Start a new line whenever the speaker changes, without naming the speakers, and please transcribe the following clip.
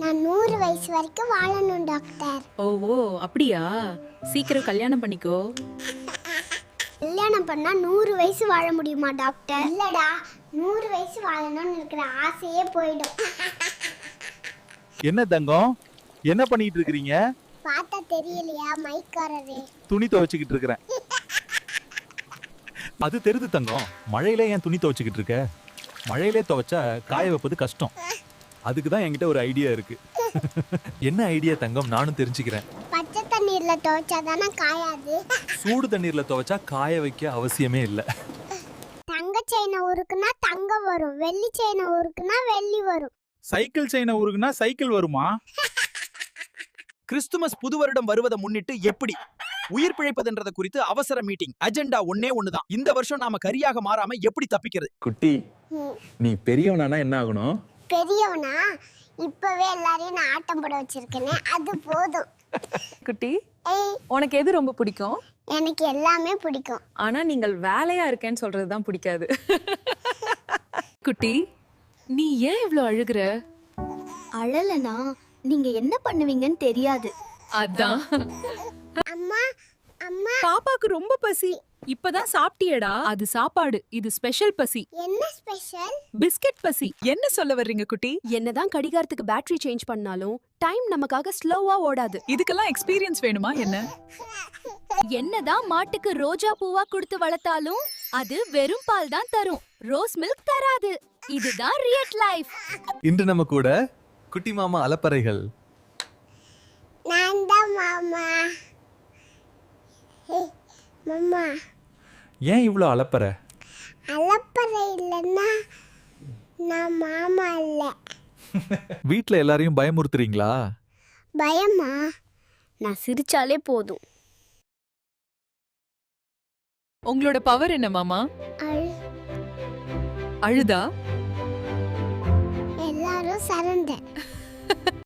நான் 100 வயசு வரைக்கும் வாழணும் டாக்டர்.
ஓ அப்படியா? சீக்கிரம் கல்யாணம் பண்ணிக்கோ.
கல்யாணம் பண்ணா 100 வயசு வாழ முடியுமா டாக்டர்? இல்லடா, 100 வயசு வாழணும்னு இருக்கிற ஆசையே போயிடும்.
என்ன தங்கம், என்ன பண்ணிட்டு இருக்கீங்க?
பார்த்தா தெரியலையா மைக்காரரே?
துணி துவைச்சிக்கிட்டு இருக்கிறேன். அது தெரியுது தங்கம், மழையில ஏன் துணி துவைச்சிக்கிட்டு இருக்க? மழையிலே துவைச்சா காய வைப்பது கஷ்டம். அதுக்கு தான் என்கிட்ட ஒரு ஐடியா இருக்கு. என்ன ஐடியா தங்கம், நானும் தெரிஞ்சுக்கிறேன்.
பச்சை தண்ணீர்ல துவைச்சா தானே காயாது.
சூடு தண்ணீர்ல துவைச்சா காய வைக்க அவசியமே இல்லை.
தங்க செயினை உருக்குனா தங்கம் வரும், வெள்ளி செயினை உருக்குனா வெள்ளி வரும்.
சைக்கிள் செயினை உருகுனா சைக்கிள் வருமா? கிறிஸ்துமஸ் புது வருடம் வருவதை முன்னிட்டு எப்படி உயிர் பிழைப்பதுன்றத குறித்து அவசர மீட்டிங். அஜெண்டா ஒன்னே ஒண்ணுதான். இந்த வருஷம் நாம கரியாக மாறாம எப்படி தப்பிக்கிறது?
குட்டி, நீ பெரியவனானா என்ன ஆகணும்?
பெரியவனா? இப்பவே எல்லாரையும் நான் ஆட்டம் போட வச்சிருக்கேனே, அது போதும்.
குட்டி,
ஏய்,
உனக்கு எது ரொம்ப பிடிக்கும்?
எனக்கு எல்லாமே பிடிக்கும்.
ஆனா நீங்கள் வேலையா இருக்கேன்னு சொல்றதுதான் பிடிக்காது. குட்டி, நீ ஏன் இவ்ளோ அழுகுற?
அழலனா நீங்க என்ன பண்ணுவீங்கன்னு தெரியாது.
அதான்.
அம்மா, அம்மா,
பாப்பாக்கு ரொம்ப பசி. இப்பதான் சாப்பிட்டியடா. அது சாப்பாடு, இது ஸ்பெஷல் பசி.
என்ன ஸ்பெஷல்?
பிஸ்கட் பசி. என்ன சொல்ல வர்றீங்க குட்டி?
என்னதான் கடிகாரத்துக்கு பேட்டரி சேஞ்ச் பண்ணாலும் டைம் நமக்காக ஸ்லோவா ஓடாது.
இதுக்கெல்லாம் எக்ஸ்பீரியன்ஸ் வேணுமா என்ன?
என்னதான் மாட்டுக்கு ரோஜா பூவா கொடுத்து வளர்த்தாலும் அது வெறும் பால் தான் தரும், ரோஸ் மில்க் தராது. இதுதான் ரியல் லைஃப்.
இன்று நம்ம கூட குட்டி மாமா அலப்பறைகள்.
நான் தான் மாமா. ஹே, மாமா,
ஏன் இவ்வளோ அலப்பறை?
அலப்பறை இல்லைன்னா நான் மாமா இல்லை.
வீட்டில் எல்லாரையும் பயமுறுத்துறீங்களா?
பயமா?
நான் சிரிச்சாலே போதும்.
உங்களோட பவர் என்ன மாமா?
அழு,
அழுதா?
எல்லாரும் சரண்டர்.